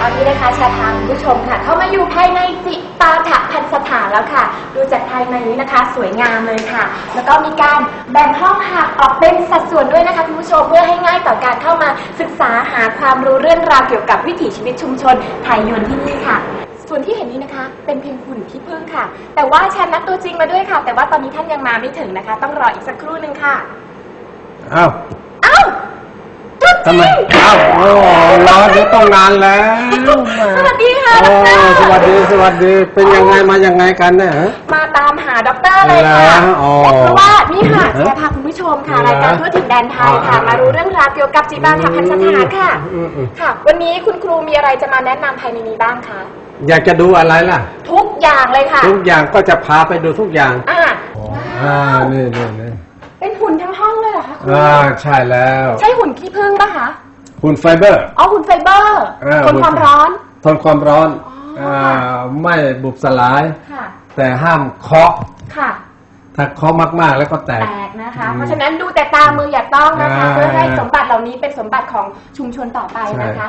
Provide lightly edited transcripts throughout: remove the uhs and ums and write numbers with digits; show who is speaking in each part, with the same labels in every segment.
Speaker 1: อนนี้นะคะชาทางผู้ชมค่ะเข้ามาอยู่ภายในจิปาถะพันสถานแล้วค่ะดูจากภายในนี้นะคะสวยงามเลยค่ะแล้วก็มีการแบ่งห้องหับออกเป็นสัดส่วนด้วยนะคะคุณผู้ชมเพื่อให้ง่ายต่อการเข้ามาศึกษาหาความรู้เรื่องราวเกี่ยวกับวิถีชีวิตชุมชนไทยยวนที่นี่ค่ะส่วนที่เห็นนี้นะคะเป็นเพียงหุ่นขี้ผึ้งค่ะแต่ว่าฉันนัดตัวจริงมาด้วยค่ะแต่ว่าตอนนี้ท่านยังมาไม่ถึงนะคะต้องรออีกสักครู่นึงค่ะ
Speaker 2: อ้าว
Speaker 1: ทำไม
Speaker 2: อ้าวโอ้รอเดี๋ยวต้องนานแล้ว
Speaker 1: สวัสดีค่ะดร.
Speaker 2: สวัสดีเป็นยังไงมายังไงกันเนี่ย
Speaker 1: มาตามหาด็อกเตอร์เลยค่ะเพราะว่านี่ค่ะจะพาคุณผู้ชมค่ะรายการทั่วถิ่นแดนไทยค่ะมารู้เรื่องราวเกี่ยวกับจิปาถะพันสถานค่ะค่ะวันนี้คุณครูมีอะไรจะมาแนะนำภายในนี้บ้างคะ
Speaker 2: อยากจะดูอะไรล่ะ
Speaker 1: ทุกอย่างเลยค่ะ
Speaker 2: ทุกอย่างก็จะพาไปดูทุกอย่างนี่
Speaker 1: เป็นหุ่นทั้งห้องเลยเหรอคะคุณ
Speaker 2: ใช่แล้ว
Speaker 1: ใช่หุ่นขี้ผึ้งป่ะคะ
Speaker 2: หุ่นไฟเบอร์
Speaker 1: หุ่นไฟเบอร์ทนความร้อน
Speaker 2: ไม่บุบสลายแต่ห้ามเคาะ
Speaker 1: ค่ะ
Speaker 2: ถ้าเคาะมากๆแล้วก็แตก
Speaker 1: นะคะเพราะฉะนั้นดูแต่ตามืออย่าต้องนะคะเพื่อให้สมบัติเหล่านี้เป็นสมบัติของชุมชนต่อไปนะคะ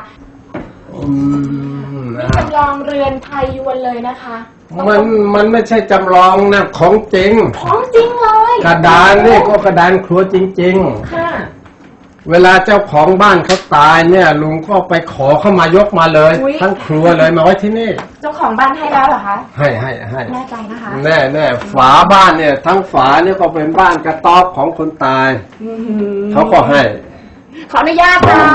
Speaker 1: นี่จำลองเรือนไทยยวนเลยนะคะ
Speaker 2: มันไม่ใช่จำลองนะของจริงเลยกระดานนี่ก็กระดานครัวจริงๆค่ะเวลาเจ้าของบ้านเขาตายเนี่ยลุงก็ไปขอเข้ามายกมาเลยทั้งครัวเลยมาไว้ที่นี่
Speaker 1: เจ้าของบ้านให้แล้วเหรอคะ
Speaker 2: ให้
Speaker 1: แน่ใจนะคะ
Speaker 2: แน่ฝาบ้านเนี่ยทั้งฝาเนี่ยก็เป็นบ้านกระต๊อบของคนตายเขาก็ให้
Speaker 1: ขออนุญาตนะ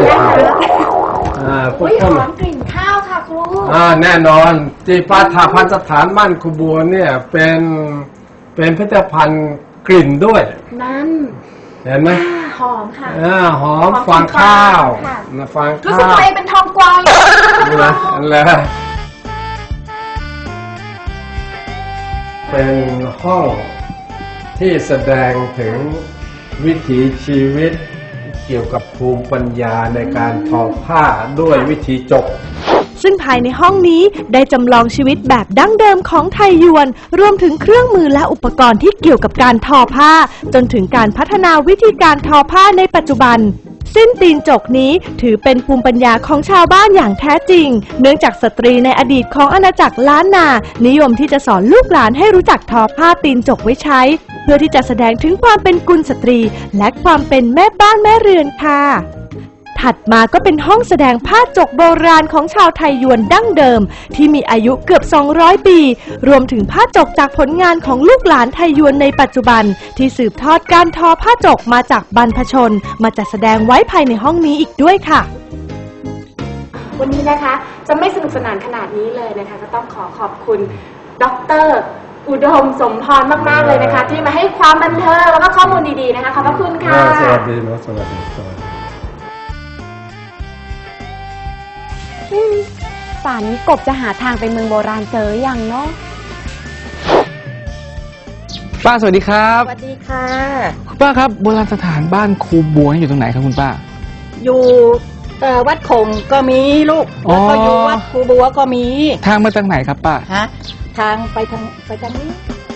Speaker 1: หอมกลิ่นข้าวค่ะครู
Speaker 2: แน่นอนจิปาถะพันสถานบ้านครูบัวเนี่ยเป็นพิพิธภัณฑ์กลิ่นด้วย
Speaker 1: นั่น
Speaker 2: เห็นไหม
Speaker 1: หอมค่ะ
Speaker 2: หอมฟางข้าวฟางข้าว
Speaker 1: รู้สึกตัวเองเป็นทองกวาว
Speaker 2: นะแล้วเป็นห้องที่แสดงถึงวิถีชีวิตเกี่ยวกับภูมิปัญญาในการทอผ้าด้วยวิธีจก
Speaker 3: ซึ่งภายในห้องนี้ได้จำลองชีวิตแบบดั้งเดิมของไทยยวนรวมถึงเครื่องมือและอุปกรณ์ที่เกี่ยวกับการทอผ้าจนถึงการพัฒนาวิธีการทอผ้าในปัจจุบันสิ้นตีนจกนี้ถือเป็นภูมิปัญญาของชาวบ้านอย่างแท้จริงเนื่องจากสตรีในอดีตของอาณาจักรล้านนานิยมที่จะสอนลูกหลานให้รู้จักทอผ้าตีนจกไว้ใช้เพื่อที่จะแสดงถึงความเป็นกุลสตรีและความเป็นแม่บ้านแม่เรือนค่ะถัดมาก็เป็นห้องแสดงผ้าจกโบราณของชาวไทยยวนดั้งเดิมที่มีอายุเกือบ200ปีรวมถึงผ้าจกจากผลงานของลูกหลานไทยยวนในปัจจุบันที่สืบทอดการทอผ้าจกมาจากบรรพชนมาจัดแสดงไว้ภายในห้องนี้อีกด้วยค่ะ
Speaker 1: วันนี้นะคะจะไม่สนุกสนานขนาดนี้เลยนะคะก็ต้องขอบคุณดร.อุดมสมพรมากๆเลยนะคะที่มาให้ความบันเทิงแล้วก็ข้อมูลดีๆนะคะขอบพระคุณค่ะ
Speaker 2: สวัสดีนะสวัสดี
Speaker 4: ป่านนี้กบจะหาทางไปเมืองโบราณเจอยังเนาะ
Speaker 5: ป้าสวัสดีครับ
Speaker 1: สวัสดีค่ะ
Speaker 5: คุณป้าครับโบราณสถานบ้านครูบัวอยู่ตรงไหนครับคุณป้า
Speaker 6: อยู่วัดคงก็มีลูกแล้วก็อยู่วัดครูบัวก็มี
Speaker 5: ทางมาจากไหนครับป้า
Speaker 6: ทางไปทางนี้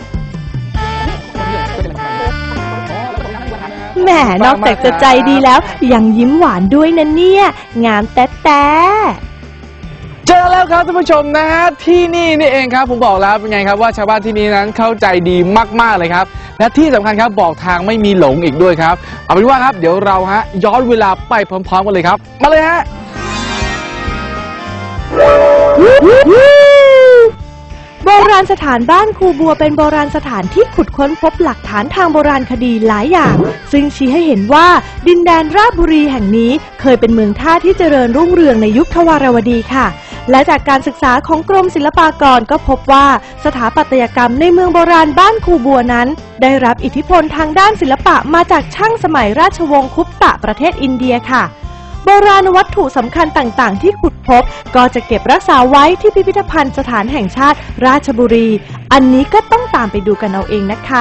Speaker 3: แหมนอกจากจะใจดีแล้วยังยิ้มหวานด้วยนะเนี่ยงามแต๊
Speaker 5: เจอแล้วครับท่านผู้ชมนะฮะที่นี่เองครับผมบอกแล้วเป็นไงครับว่าชาวบ้านที่นี่นั้นเข้าใจดีมากๆเลยครับและที่สำคัญครับบอกทางไม่มีหลงอีกด้วยครับเอาเป็นว่าครับเดี๋ยวเราย้อนเวลาไปพร้อมๆกันเลยครับมาเลยฮะ
Speaker 3: โบราณสถานบ้านครูบัวเป็นโบราณสถานที่ขุดค้นพบหลักฐานทางโบราณคดีหลายอย่างซึ่งชี้ให้เห็นว่าดินแดนราชบุรีแห่งนี้เคยเป็นเมืองท่าที่เจริญรุ่งเรืองในยุคทวารวดีค่ะและจากการศึกษาของกรมศิลปากรก็พบว่าสถาปัตยกรรมในเมืองโบราณบ้านครูบัวนั้นได้รับอิทธิพลทางด้านศิลปะมาจากช่างสมัยราชวงศ์คุปตะประเทศอินเดียค่ะโบราณวัตถุสำคัญต่างๆที่ขุดพบก็จะเก็บรักษาไว้ที่พิพิธภัณฑ์สถานแห่งชาติราชบุรีอันนี้ก็ต้องตามไปดูกันเอาเองนะคะ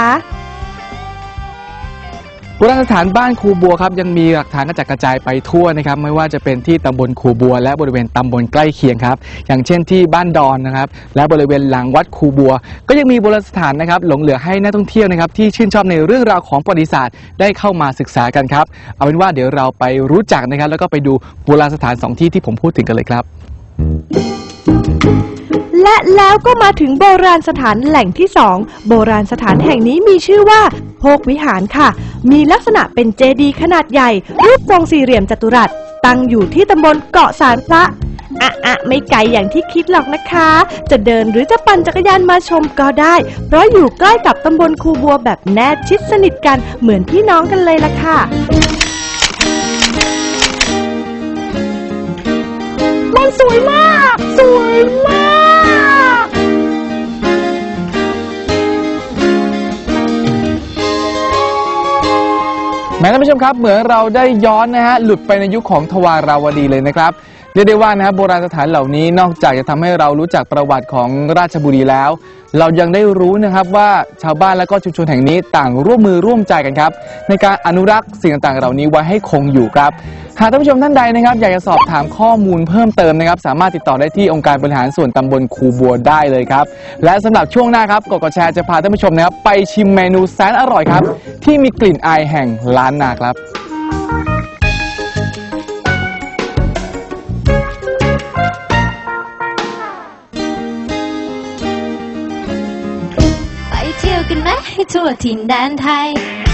Speaker 5: โบราณสถานบ้านครูบัวครับยังมีหลักฐานกระจัดกระจายไปทั่วนะครับไม่ว่าจะเป็นที่ตำบลครูบัวและบริเวณตำบลใกล้เคียงครับอย่างเช่นที่บ้านดอนนะครับและบริเวณหลังวัดครูบัวก็ยังมีโบราณสถานนะครับหลงเหลือให้นักท่องเที่ยวนะครับที่ชื่นชอบในเรื่องราวของประวัติศาสตร์ได้เข้ามาศึกษากันครับเอาเป็นว่าเดี๋ยวเราไปรู้จักนะครับแล้วก็ไปดูโบราณสถาน2ที่ที่ผมพูดถึงกันเลยครับ
Speaker 3: และแล้วก็มาถึงโบราณสถานแหล่งที่ 2 โบราณสถานแห่งนี้มีชื่อว่าโพกวิหารค่ะ มีลักษณะเป็นเจดีย์ขนาดใหญ่รูปทรงสี่เหลี่ยมจัตุรัสตั้งอยู่ที่ตำบลเกาะสารพระไม่ไกลอย่างที่คิดหรอกนะคะ จะเดินหรือจะปั่นจักรยานมาชมก็ได้เพราะอยู่ใกล้กับตำบลคูบัวแบบแนบชิดสนิทกันเหมือนพี่น้องกันเลยล่ะค่ะมันสวยมากสวยมาก
Speaker 5: แม้ท่านผู้ชมครับเหมือนเราได้ย้อนนะฮะหลุดไปในยุคของทวาราวดีเลยนะครับเรียกได้ว่านะครับโบราณสถานเหล่านี้นอกจากจะทำให้เรารู้จักประวัติของราชบุรีแล้วเรายังได้รู้นะครับว่าชาวบ้านและก็ชุมชนแห่งนี้ต่างร่วมมือร่วมใจกันครับในการอนุรักษ์สิ่งต่างๆเหล่านี้ไว้ให้คงอยู่ครับหากท่านผู้ชมท่านใดนะครับอยากจะสอบถามข้อมูลเพิ่มเติมนะครับสามารถติดต่อได้ที่องค์การบริหารส่วนตำบลคูบัวได้เลยครับและสำหรับช่วงหน้าครับกดแชร์จะพาท่านผู้ชมนะครับไปชิมเมนูแสนอร่อยครับที่มีกลิ่นอายแห่งล้านนาครับ
Speaker 7: ไปเที่ยวกันไหมให้ทั่วถิ่นแดนไทย